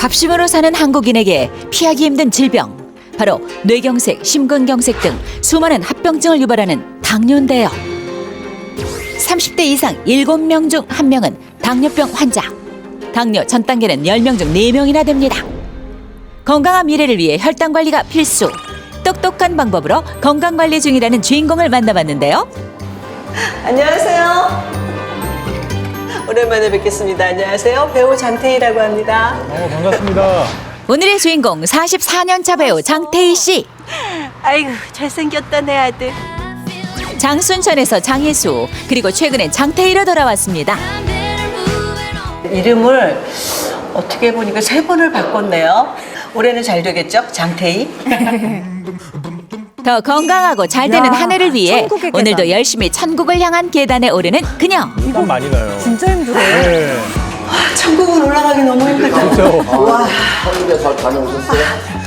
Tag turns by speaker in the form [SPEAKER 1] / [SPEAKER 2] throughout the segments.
[SPEAKER 1] 밥심으로 사는 한국인에게 피하기 힘든 질병, 바로 뇌경색, 심근경색 등 수많은 합병증을 유발하는 당뇨인데요. 30대 이상 7명 중 1명은 당뇨병 환자. 당뇨 전 단계는 10명 중 4명이나 됩니다. 건강한 미래를 위해 혈당 관리가 필수. 똑똑한 방법으로 건강관리 중이라는 주인공을 만나봤는데요.
[SPEAKER 2] 안녕하세요. 오랜만에 뵙겠습니다. 안녕하세요. 배우 장태희라고 합니다.
[SPEAKER 3] 반갑습니다.
[SPEAKER 1] 오늘의 주인공 44년차 배우 장태희 씨.
[SPEAKER 2] 아이고 잘생겼다 내 아들.
[SPEAKER 1] 장순천에서 장혜수, 그리고 최근엔 장태희로 돌아왔습니다.
[SPEAKER 2] 이름을 어떻게 보니까 3번을 바꿨네요. 올해는 잘 되겠죠? 장태희.
[SPEAKER 1] 더 건강하고 잘 되는
[SPEAKER 4] 야,
[SPEAKER 1] 한 해를 위해
[SPEAKER 4] 천국의
[SPEAKER 1] 오늘도
[SPEAKER 4] 계단.
[SPEAKER 1] 열심히 천국을 향한 계단에 오르는 그녀.
[SPEAKER 3] 땀 많이 나요.
[SPEAKER 4] 진짜 힘들어.
[SPEAKER 3] 네.
[SPEAKER 2] 천국은 올라가기 너무 힘들다.
[SPEAKER 3] 그렇죠.
[SPEAKER 5] 서울에 잘 다녀오셨어요?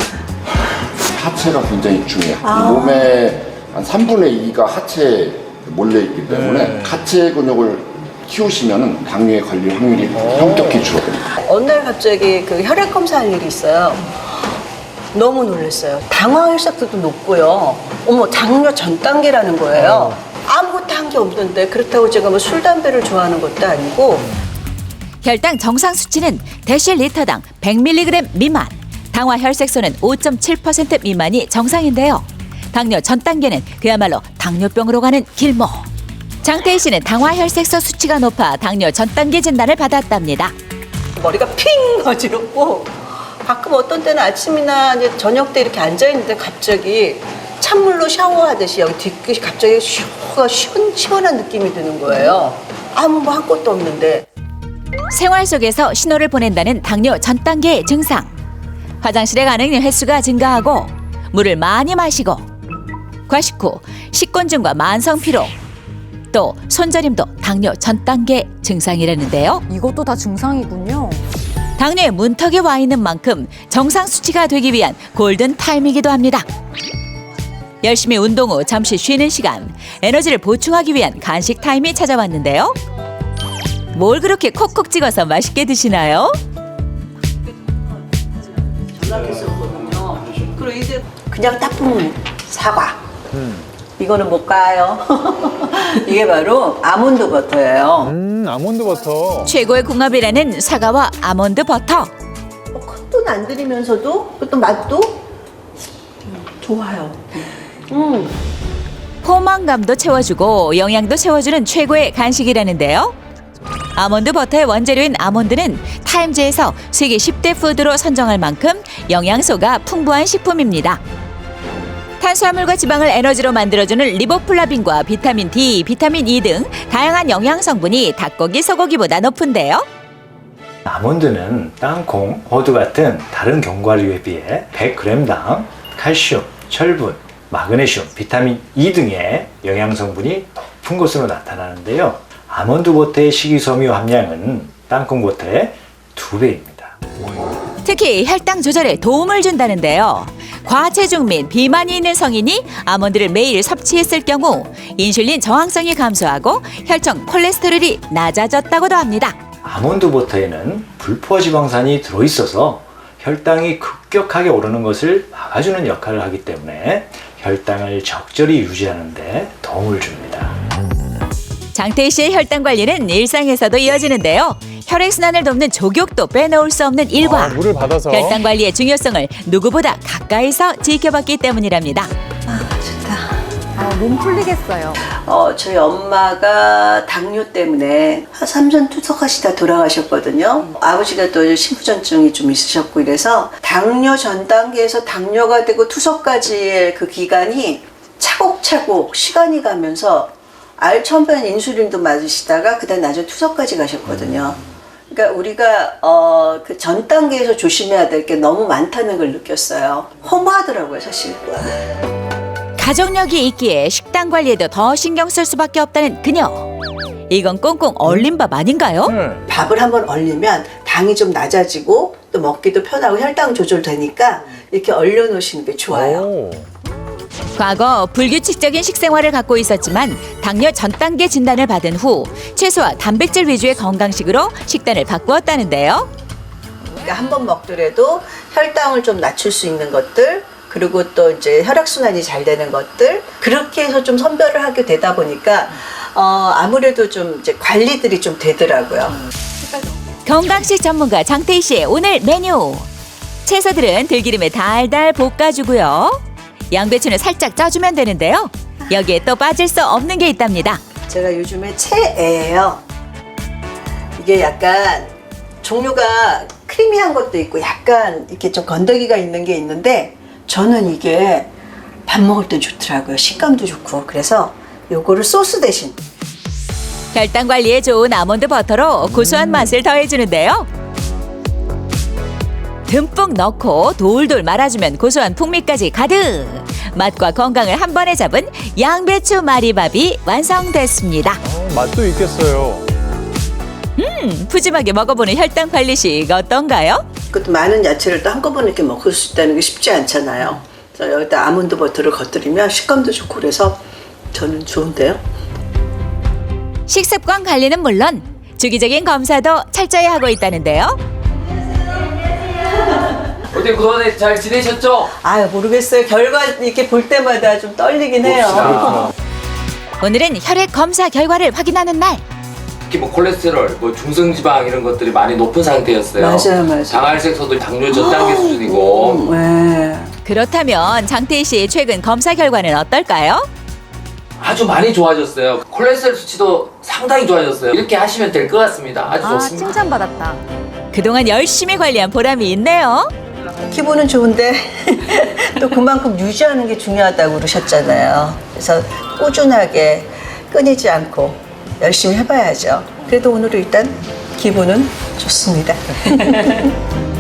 [SPEAKER 5] 하체가 굉장히 중요해요. 몸의 한 3분의 2가 하체에 몰려있기 때문에 하체 근육을 키우시면 당뇨에 걸릴 확률이 현격히 줄어듭니다.
[SPEAKER 2] 어느 날 갑자기 그 혈액 검사할 일이 있어요. 너무 놀랐어요. 당화 혈색도도 높고요. 어머 당뇨 전 단계라는 거예요. 아무것도 한 게 없는데 그렇다고 제가 뭐 술 담배를 좋아하는 것도 아니고
[SPEAKER 1] 혈당 정상 수치는 데실리터당 100mg 미만, 당화 혈색소는 5.7% 미만이 정상인데요. 당뇨 전 단계는 그야말로 당뇨병으로 가는 길목. 장태희 씨는 당화 혈색소 수치가 높아 당뇨 전 단계 진단을 받았답니다.
[SPEAKER 2] 머리가 핑 어지럽고 가끔 어떤 때는 아침이나 이제 저녁 때 이렇게 앉아 있는데 갑자기 찬물로 샤워하듯이 여기 뒤끝이 갑자기 시원한 느낌이 드는 거예요. 아무 뭐 한 것도 없는데.
[SPEAKER 1] 생활 속에서 신호를 보낸다는 당뇨 전 단계의 증상. 화장실에 가는 횟수가 증가하고 물을 많이 마시고 과식 후 식곤증과 만성 피로, 또 손저림도 당뇨 전 단계 증상이라는데요.
[SPEAKER 4] 이것도 다 증상이군요.
[SPEAKER 1] 당뇨의 문턱에 와 있는 만큼 정상 수치가 되기 위한 골든 타임이기도 합니다. 열심히 운동 후 잠시 쉬는 시간, 에너지를 보충하기 위한 간식 타임이 찾아왔는데요. 뭘 그렇게 콕콕 찍어서 맛있게 드시나요?
[SPEAKER 2] 전화했었거든요. 그리고 이제 그냥 따뜻한 사과. 이거는 못 가요. 이게 바로 아몬드 버터예요.
[SPEAKER 3] 아몬드 버터.
[SPEAKER 1] 최고의 궁합이라는 사과와 아몬드 버터.
[SPEAKER 2] 큰 돈 안 들이면서도 또 맛도 좋아요.
[SPEAKER 1] 포만감도 채워주고 영양도 채워주는 최고의 간식이라는데요. 아몬드 버터의 원재료인 아몬드는 타임즈에서 세계 10대 푸드로 선정할 만큼 영양소가 풍부한 식품입니다. 탄수화물과 지방을 에너지로 만들어주는 리보플라빈과 비타민 D, 비타민 E 등 다양한 영양 성분이 닭고기, 소고기보다 높은데요.
[SPEAKER 6] 아몬드는 땅콩, 호두 같은 다른 견과류에 비해 100g당 칼슘, 철분, 마그네슘, 비타민 E 등의 영양 성분이 높은 것으로 나타나는데요. 아몬드 버터의 식이섬유 함량은 땅콩 버터의 2배입니다.
[SPEAKER 1] 특히 혈당 조절에 도움을 준다는데요. 과체중 및 비만이 있는 성인이 아몬드를 매일 섭취했을 경우 인슐린 저항성이 감소하고 혈청 콜레스테롤이 낮아졌다고도 합니다.
[SPEAKER 6] 아몬드 버터에는 불포지방산이 들어있어서 혈당이 급격하게 오르는 것을 막아주는 역할을 하기 때문에 혈당을 적절히 유지하는 데 도움을 줍니다.
[SPEAKER 1] 장태희 씨의 혈당 관리는 일상에서도 이어지는데요. 혈액순환을 돕는 족욕도 빼놓을 수 없는 일과
[SPEAKER 3] 물을 받아서.
[SPEAKER 1] 혈당 관리의 중요성을 누구보다 가까이서 지켜봤기 때문이랍니다.
[SPEAKER 4] 몸 풀리겠어요.
[SPEAKER 2] 저희 엄마가 당뇨 때문에 한 3년 투석하시다 돌아가셨거든요. 아버지가 또 심부전증이 좀 있으셨고 이래서 당뇨 전 단계에서 당뇨가 되고 투석까지의 그 기간이 차곡차곡 시간이 가면서 알천변 인슐린도 맞으시다가 그다음 나중에 투석까지 가셨거든요. 그러니까 우리가 그 전 단계에서 조심해야 될 게 너무 많다는 걸 느꼈어요. 허무하더라고요, 사실.
[SPEAKER 1] 가족력이 있기에 식단 관리에도 더 신경 쓸 수밖에 없다는 그녀. 이건 꽁꽁 얼린 밥 아닌가요?
[SPEAKER 2] 밥을 한번 얼리면 당이 좀 낮아지고 또 먹기도 편하고 혈당 조절되니까 이렇게 얼려 놓으시는 게 좋아요.
[SPEAKER 3] 오.
[SPEAKER 1] 과거 불규칙적인 식생활을 갖고 있었지만 당뇨 전 단계 진단을 받은 후 채소와 단백질 위주의 건강식으로 식단을 바꾸었다는데요.
[SPEAKER 2] 그러니까 한 번 먹더라도 혈당을 좀 낮출 수 있는 것들, 그리고 또 이제 혈액순환이 잘 되는 것들, 그렇게 해서 좀 선별을 하게 되다 보니까 아무래도 좀 이제 관리들이 좀 되더라고요.
[SPEAKER 1] 건강식 전문가 장태희 씨의 오늘 메뉴. 채소들은 들기름에 달달 볶아주고요. 양배추는 살짝 쪄주면 되는데요. 여기에 또 빠질 수 없는 게 있답니다.
[SPEAKER 2] 제가 요즘에 채애예요. 이게 약간 종류가 크리미한 것도 있고 약간 이렇게 좀 건더기가 있는 게 있는데 저는 이게 밥 먹을 때 좋더라고요. 식감도 좋고. 그래서 요거를 소스 대신
[SPEAKER 1] 혈당 관리에 좋은 아몬드 버터로 고소한 맛을 더해주는데요. 듬뿍 넣고 돌돌 말아주면 고소한 풍미까지 가득. 맛과 건강을 한 번에 잡은 양배추 마리밥이 완성됐습니다.
[SPEAKER 3] 맛도 있겠어요.
[SPEAKER 1] 푸짐하게 먹어보는 혈당 관리식 어떤가요?
[SPEAKER 2] 그것도 많은 야채를 또 한꺼번에 이렇게 먹을 수 있다는 게 쉽지 않잖아요. 그래서 여기다 아몬드 버터를 곁들이면 식감도 좋고 그래서 저는 좋은데요.
[SPEAKER 1] 식습관 관리는 물론 주기적인 검사도 철저히 하고 있다는데요.
[SPEAKER 7] 어때 그동안에 잘 지내셨죠?
[SPEAKER 2] 아유 모르겠어요. 결과 이렇게 볼 때마다 좀 떨리긴 해요.
[SPEAKER 1] 오늘은 혈액 검사 결과를 확인하는 날.
[SPEAKER 7] 특히 뭐 콜레스테롤, 뭐 중성지방 이런 것들이 많이 높은 상태였어요.
[SPEAKER 2] 맞아요.
[SPEAKER 7] 당할색소도 당뇨 전 단계 수준이고.
[SPEAKER 2] 네.
[SPEAKER 1] 그렇다면 장태희 씨의 최근 검사 결과는 어떨까요?
[SPEAKER 7] 아주 많이 좋아졌어요. 콜레스테롤 수치도 상당히 좋아졌어요. 이렇게 하시면 될 것 같습니다. 아주
[SPEAKER 4] 아,
[SPEAKER 7] 좋습니다.
[SPEAKER 4] 칭찬받았다.
[SPEAKER 1] 그동안 열심히 관리한 보람이 있네요.
[SPEAKER 2] 기분은 좋은데 또 그만큼 유지하는 게 중요하다고 그러셨잖아요. 그래서 꾸준하게 끊이지 않고 열심히 해봐야죠. 그래도 오늘은 일단 기분은 좋습니다.